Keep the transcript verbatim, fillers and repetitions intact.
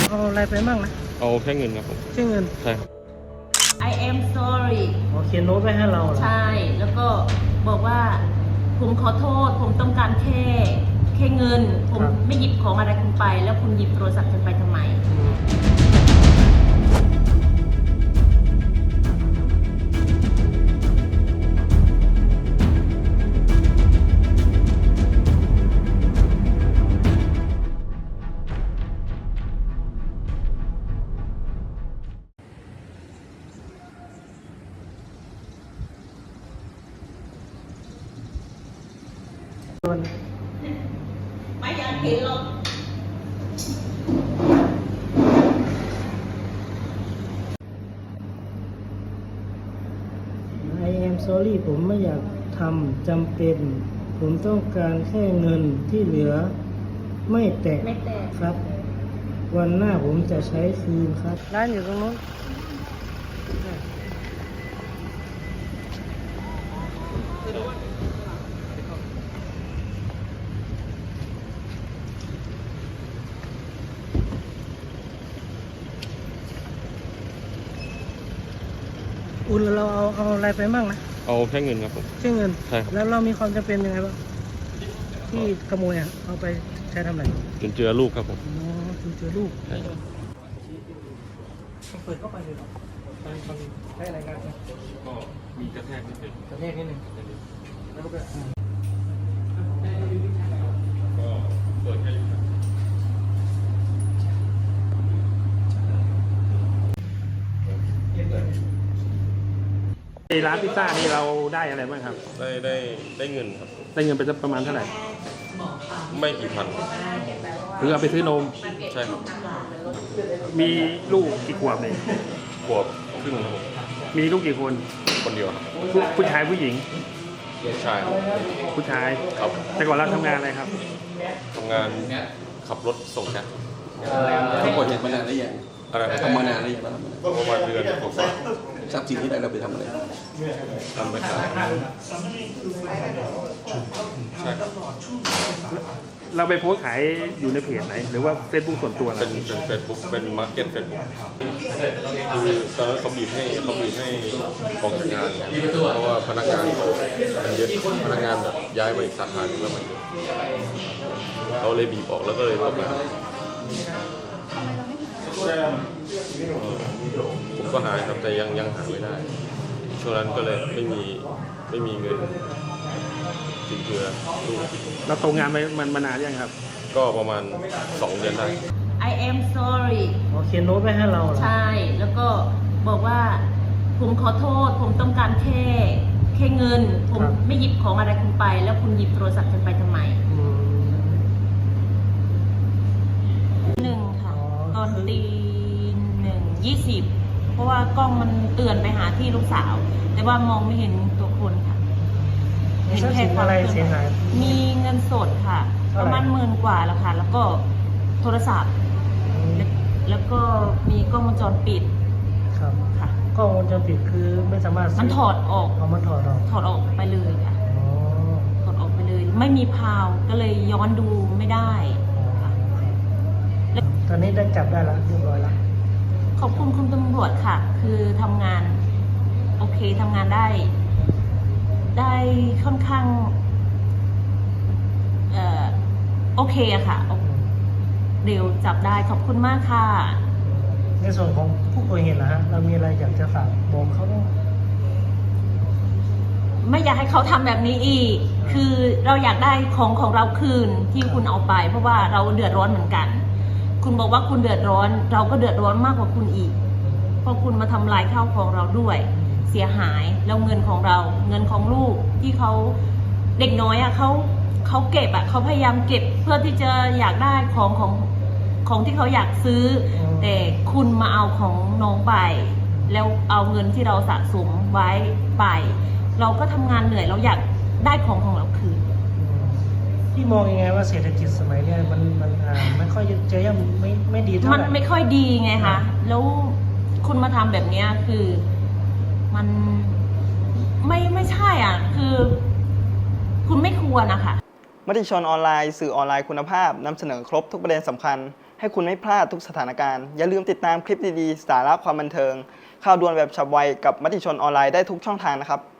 เอาอะไรไปบ้างนะเอาแค่เงินครับผมแค่เงินใช่ครับ I am sorry อ๋อเขียนโน้ตไว้ให้เราเหรอใช่แล้วก็บอกว่าผมขอโทษผมต้องการแค่แค่เงินผมไม่หยิบของอะไรคุณไปแล้วคุณหยิบโทรศัพท์ฉันไปทำไมไม่อยากเห็นหรอก I am sorry ผมไม่อยากทำจำเป็นผมต้องการแค่เงินที่เหลือไม่แตะไม่แตะครับวันหน้าผมจะใช้คืนครับร้านอยู่ตรงนู้นอุ่นเราเอาเอาอะไรไปบ้างนะเอาแค่เงินครับผมแค่เงินใช่ครับแล้วเรามีความจำเป็นยังไงบ้างที่ขโมยอ่ะเอาไปใช้ทำอะไรจนเจอลูกครับผมอ๋อจนเจอลูกใช่เปิดเข้าไปเลยหรอตอนตอนได้อะไรกันก็มีกระแทกนิดนึงกระแทกนิดนึงแล้วก็ก็เปิดให้ในร้านพิซซ่านี่เราได้อะไรบ้างครับได้ได้ได้เงินครับได้เงินไปประมาณเท่าไหร่ไม่กี่พันหรือเอาไปซื้อนมใช่ครับมีลูกกี่ขวบเนี่ยขวบครึ่งครับผมมีลูกกี่คนคนเดียวครับผู้ชายผู้หญิงผู้ชายผู้ชายครับแต่ก่อนเราทำงานอะไรครับทำงานขับรถส่งแก๊สทั้งหมดเนี่ยมานานหรือยังอะไรทำมานานหรือยังประมาณเดือนกว่าทรัพย์สินที่ได้เราไปทำอะไรทำไปขายใช่ครับเราไปโพสต์ขายอยู่ในเพจไหนหรือว่าเฟซบุ๊กส่วนตัวเป็นเป็นเฟซบุ๊กเป็นมาร์เก็ตเฟซบุ๊กคือตอนนั้นเขาบีบให้เขาบีบให้ออกจากงานเพราะว่าพนักงานมันเยอะพนักงานแบบย้ายไปอีกสาขาหนึ่งแล้วมันเยอะเขาเลยบีบออกแล้วก็เลยตกงานผมก็หาครับแต่ยังยังหาไม่ได้ช่วงนั้นก็เลยไม่มีไม่มีเงินถึงเพื่อลูกเราตกงานไปมันมานานยังครับก็ประมาณสองเดือนได้ I am sorry อ๋อเขียนโน้ตไว้ให้เราเหรอใช่แล้วก็บอกว่าผมขอโทษผมต้องการแค่แค่เงินผมไม่หยิบของอะไรคุณไปแล้วคุณหยิบโทรศัพท์ฉันไปทำไมหนึ่งค่ะตอนตีหนึ่งยี่สิบเพราะว่ากล้องมันเตือนไปหาที่ลูกสาวแต่ว่ามองไม่เห็นตัวคนค่ะเห็นแค่อะไรเสียหายมีเงินสดค่ะประมาณหมื่นกว่าแล้วค่ะแล้วก็โทรศัพท์แล้วก็มีกล้องวงจรปิดครับค่ะกล้องวงจรปิดคือไม่สามารถมันถอดออกเอามันถอดออกถอดออกไปเลยค่ะถอดออกไปเลยไม่มีพาวก็เลยย้อนดูไม่ได้ค่ะตอนนี้ได้จับได้แล้วเรียบร้อยแล้วขอบคุณคุณตำรวจค่ะคือทำงานโอเคทำงานได้ได้ค่อนข้างเอ่อโอเคอะค่ะเร็วจับได้ขอบคุณมากค่ะในส่วนของผู้ก่อเหตุนะฮะเรามีอะไรอยากจะฝากบอกเขาบ้างไม่อยากให้เขาทำแบบนี้อีกคือเราอยากได้ของของเราคืนที่คุณเอาไปเพราะว่าเราเดือดร้อนเหมือนกันคุณบอกว่าคุณเดือดร้อนเราก็เดือดร้อนมากกว่าคุณอีกเพราะคุณมาทำลายข้าวของเราด้วยเสียหายแล้วเงินของเราเงินของลูกที่เขาเด็กน้อยอ่ะเขาเขาเก็บอ่ะเขาพยายามเก็บเพื่อที่จะอยากได้ของของของที่เขาอยากซื้อแต่คุณมาเอาของน้องไปแล้วเอาเงินที่เราสะสมไว้ไปเราก็ทำงานเหนื่อยเราอยากได้ของของเราคืนพี่มองยังไงว่าเศรษฐกิจสมัยนี้มันมันอ่าไม่ค่อยจะยังไม่ไม่ดีเท่าไหร่มันไม่ค่อยดีไงคะแล้วคุณมาทำแบบนี้คือมันไม่ไม่ใช่อ่ะคือคุณไม่ควรนะคะมติชนออนไลน์สื่อออนไลน์คุณภาพนำเสนอครบทุกประเด็นสำคัญให้คุณไม่พลาดทุกสถานการณ์อย่าลืมติดตามคลิปดีๆสาระความบันเทิงข่าวด่วนแบบฉับไวกับมติชนออนไลน์ได้ทุกช่องทางนะครับ